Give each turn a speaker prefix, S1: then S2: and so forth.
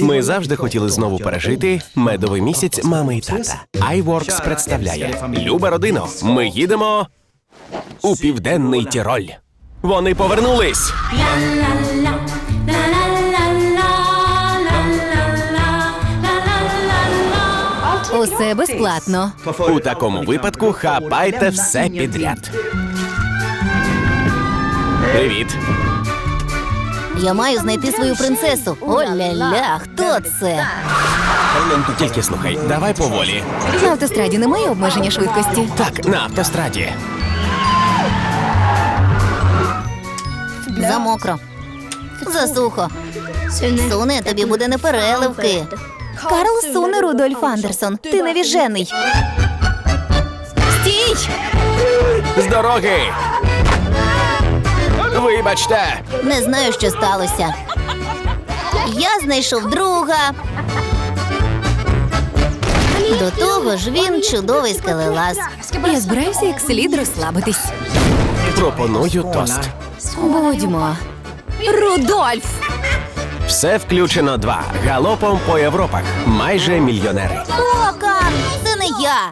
S1: Ми завжди хотіли знову пережити медовий місяць мами і тата. iWorks представляє Люба родино, ми їдемо у Південний Тіроль. Вони повернулись!
S2: Усе безплатно.
S1: У такому випадку хапайте все підряд. Привіт!
S2: Я маю знайти свою принцесу. О-ля-ля, хто це?
S1: Тільки слухай, давай поволі.
S2: На автостраді немає обмеження швидкості.
S1: Так, на автостраді.
S2: Замокро. Засухо. Суне, тобі буде непереливки. Карл суне, Рудольф Андерсон. Ти невіжений. Стій!
S1: З дороги! Вибачте!
S2: Не знаю, що сталося. Я знайшов друга. До того ж, він чудовий скелелаз. Я збираюся як слід розслабитись.
S1: Пропоную тост.
S2: Будьмо. Рудольф!
S1: Все включено 2. Галопом по Європах. Майже мільйонери.
S2: Ока! Це не я!